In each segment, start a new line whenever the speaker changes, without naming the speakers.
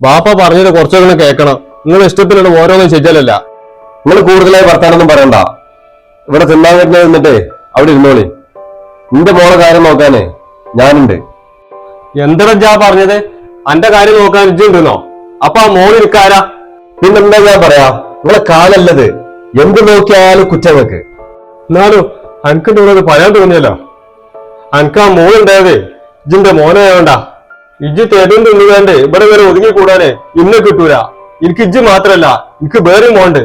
ബാപ്പ പറഞ്ഞത് കുറച്ചൊക്കെ കേൾക്കണം. നിങ്ങൾ ഇഷ്ടത്തിലുള്ള ഓരോന്നും ശരിയല്ല.
നിങ്ങൾ കൂടുതലായി വർത്താനൊന്നും പറയണ്ട. ഇവിടെ തിന്നാൻ വരുന്നത് നിന്നിട്ട് അവിടെ ഇരുന്നോളി. നിന്റെ മോളെ കാര്യം നോക്കാനേ ഞാനുണ്ട്.
എന്താ പറഞ്ഞത്? അന്റെ കാര്യം നോക്കാൻ ഇജ്ജുണ്ടെന്നോ? അപ്പൊ ആ മോള് നിൽക്കാരാ?
പിന്നെന്താ ഞാൻ പറയാ, നിങ്ങളെ കാലല്ലത്. എന്ത് നോക്കിയാലും കുറ്റങ്ങൾക്ക്.
എന്നാലും അനക്കിന്റെ കൂടെ പറയാൻ തോന്നിയല്ലോ. അനക്ക് ആ മോളുണ്ടായതേ ഇജിന്റെ മോനായോണ്ടാ. ഇജ്ജ് തേടും തിന്നുകാണ്ട് ഇവിടെ വരെ ഒതുങ്ങിക്കൂടാനേ ഇന്ന് കിട്ടൂല. എനിക്ക് ഇജ്ജ് മാത്രല്ല, എനിക്ക് വേറെ മോണ്ട്.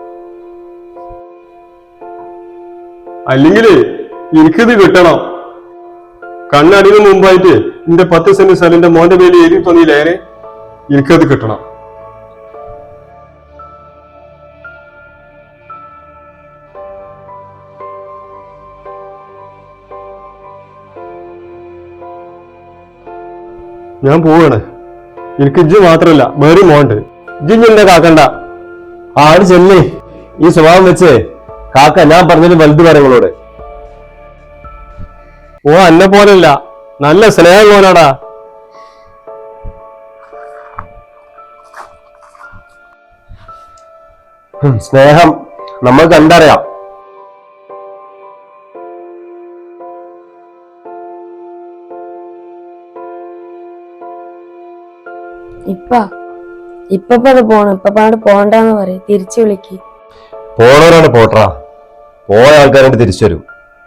അല്ലെങ്കില് എനിക്കിത് കിട്ടണം. കണ്ണടിന് മുമ്പായിട്ട് എന്റെ 10 സെന്റ് സ്ഥലം മോന്റെ പേര് എഴുതി തോന്നിയില്ലേ? എനിക്കത് കിട്ടണം. ഞാൻ പോവാണ്. എനിക്ക് ഇജ്ജ് മാത്രല്ല വേറെ മോണ്ട്. ഇജ്ജ് എന്നെ കാക്കണ്ട.
ആട് ചെല്ലി. ഈ സ്വഭാവം വെച്ച് കാക്ക ഞാൻ പറഞ്ഞതിന് വലുത് കാര്യങ്ങളോട്.
ഓ അന്നെ പോലല്ല, നല്ല സ്നേഹം പോലാടാ.
സ്നേഹം നമ്മൾ കണ്ടറിയാം.
ഇപ്പത് പോണം. ഇപ്പാട് പോണ്ടെന്ന് പറയും. തിരിച്ചു വിളിക്ക്.
പോണവരാണ് പോട്ടാ. പോയ ആൾക്കാരായിട്ട് തിരിച്ചു വരും.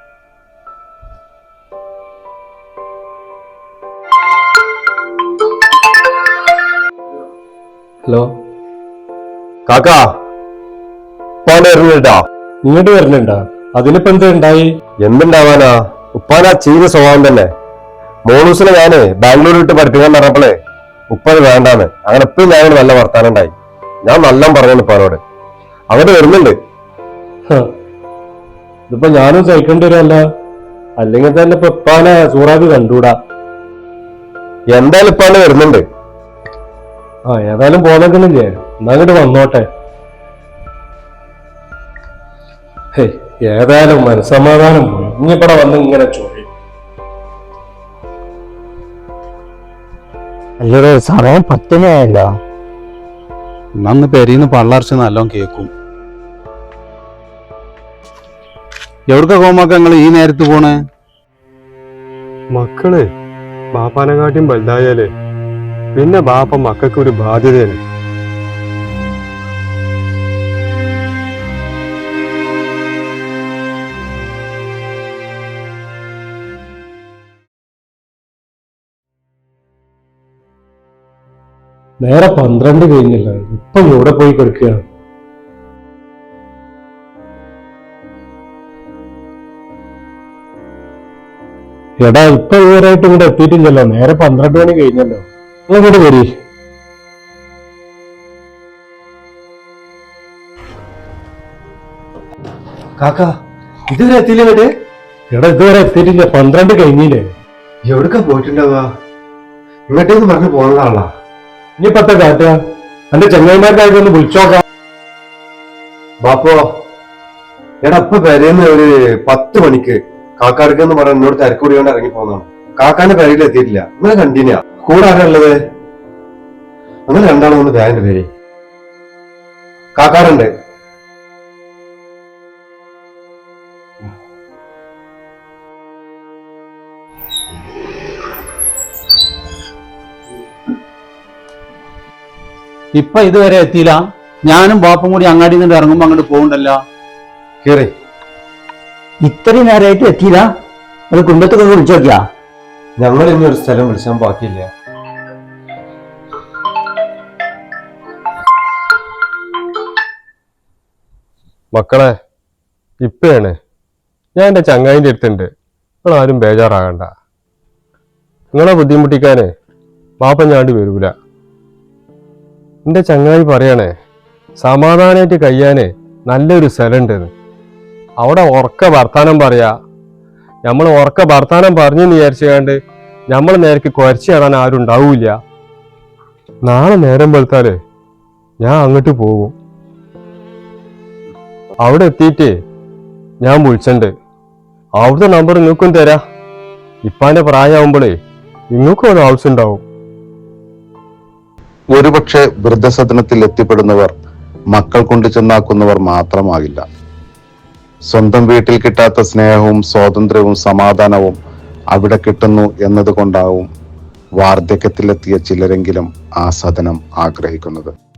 ഹലോ
കാക്കാ, ഉപ്പാന്റെ വരുന്നുണ്ടാ?
ഇങ്ങോട്ട് വരുന്നുണ്ടാ? അതിനിപ്പോ എന്താ ഉണ്ടായി?
എന്തുണ്ടാവാനാ, ഉപ്പാനാ ചെയ്ത സ്വഭാവം തന്നെ. മോളൂസിനെ ഞാന് ബാംഗ്ലൂർ വിട്ട് പഠിപ്പിക്കാൻ പറഞ്ഞപ്പോളേ ഉപ്പത് വേണ്ടാന്ന്. അങ്ങനെ എപ്പോഴും ഞാൻ നല്ല വർത്താനം ഉണ്ടായി. ഞാൻ നല്ല പറഞ്ഞു ഉപ്പാനോട്. അങ്ങോട്ട് വരുന്നുണ്ട്.
ഇതിപ്പോ ഞാനും സഹിക്കേണ്ടി വരുമല്ല. അല്ലെങ്കിൽ തന്നെ ഇപ്പൊ ഉപ്പാനെ സൂറാബി കണ്ടൂടാ.
എന്തായാലും ഉപ്പാന് വരുന്നുണ്ട്.
ഏതായാലും പോന്നേക്കണില്ലേ? എന്നാ അങ്ങോട്ട് വന്നോട്ടെ. ഏതായാലും മനസ്സമാധാനം പോയി. ഇനിയിപ്പടെ വന്ന് ഇങ്ങനെ ചോദിക്കും.
അല്ലടോ, സമയം 10 ആയല്ലോ.
നന്ന് പെരീന്ന് പള്ളർച്ച് നല്ലോണം കേക്കും. എവിടക്ക കോമാക്ക നിങ്ങള് ഈ നേരത്ത് പോണേ?
മക്കള് ബാപ്പാനെക്കാട്ടിയും വലുതായാലേ പിന്നെ ബാപ്പ മക്കൾക്ക് ഒരു ബാധ്യതയാണ്. നേരെ 12 കഴിഞ്ഞില്ല. ഇപ്പൊ ഇവിടെ പോയി കിടക്കുകയാണ്. എടാ, ഇപ്പൊ ഇവരായിട്ട് ഇവിടെ എത്തിയിട്ടില്ലല്ലോ. നേരെ 12 മണി കഴിഞ്ഞല്ലോ. അങ്ങോട്ട് വരി.
കാക്ക ഇതുവരെ എത്തിയില്ലേ? എന്നിട്ട്
എടാ, ഇതുവരെ എത്തിയിട്ടില്ല. 12 കഴിഞ്ഞില്ലേ?
എവിടക്ക പോയിട്ടുണ്ടാവുക? ഇങ്ങോട്ടേന്ന് പറഞ്ഞു പോകുന്നതാണല്ലോ.
ഇനിയിപ്പത്തെ കാറ്റ എന്റെ ചെങ്ങൈമാർക്കായിട്ട് ഒന്ന് വിളിച്ചോക്കാം.
ബാപ്പോ, എടാ ഇപ്പൊ പെരേന്ന് ഒരു 10 മണിക്ക് കാക്കാടുക്കെന്ന് പറഞ്ഞ എന്നോട് തിരക്കൂടി കൊണ്ട് ഇറങ്ങി പോകുന്നതാണ്. കാക്കാന്റെ പെരയിൽ എത്തിയിട്ടില്ല. നിങ്ങളെ കണ്ടിന്യാ കൂടെ ആരാളുള്ളത്? അങ്ങനെ രണ്ടാളും ഒന്ന് ബാഗിന്റെ പേര് കാക്കാടുണ്ട്.
ഇപ്പൊ ഇതുവരെ എത്തിയില്ല. ഞാനും ബാപ്പും കൂടി അങ്ങാടി നിന്ന് ഇറങ്ങുമ്പോ അങ്ങോട്ട് പോകണ്ടല്ലോ.
കേറി.
ഇത്രയും നേരമായിട്ട് എത്തിയില്ല. അത് കുടുംബത്തൊക്കെ വിളിച്ചു നോക്കിയാ?
ഞങ്ങൾ ഇനി ഒരു സ്ഥലം വിളിച്ചാൻ ബാക്കിയില്ല.
മക്കളെ, ഇപ്പയാണ് ഞാൻ എന്റെ ചങ്ങായിന്റെ അടുത്തുണ്ട്. നിങ്ങൾ ആരും ബേജാറാകണ്ട. നിങ്ങളെ ബുദ്ധിമുട്ടിക്കാനേ ബാപ്പ ഞാണ്ട് വരൂല. എന്റെ ചങ്ങായി പറയണേ സമാധാനായിട്ട് കഴിയാനേ നല്ലൊരു സ്ഥലമുണ്ടെന്ന്. അവിടെ ഉറക്ക വർത്താനം പറയാ. നമ്മൾ ഉറക്ക വർത്താനം പറഞ്ഞെന്ന് വിചാരിച്ചുകൊണ്ട് നമ്മൾ നേരക്ക് കുരച്ചു കാണാൻ ആരും ഉണ്ടാവൂല. നാളെ നേരം വെളുത്താല് ഞാൻ അങ്ങോട്ട് പോകും. അവിടെ എത്തിയിട്ട് ഞാൻ വിളിച്ചിട്ടുണ്ട്. അവിടുത്തെ നമ്പർ നിങ്ങൾക്കും തരാ. ഇപ്പാന്റെ പ്രായമാകുമ്പോഴേ നിങ്ങൾക്കും അത് ആവശ്യം ഉണ്ടാവും.
ഒരുപക്ഷെ വൃദ്ധസദനത്തിൽ എത്തിപ്പെടുന്നവർ മക്കൾ കൊണ്ട് ചെന്നാക്കുന്നവർ മാത്രമാകില്ല. സ്വന്തം വീട്ടിൽ കിട്ടാത്ത സ്നേഹവും സ്വാതന്ത്ര്യവും സമാധാനവും അവിടെ കിട്ടുന്നു എന്നതുകൊണ്ടാവും വാർദ്ധക്യത്തിലെത്തിയ ചിലരെങ്കിലും ആ സദനം ആഗ്രഹിക്കുന്നത്.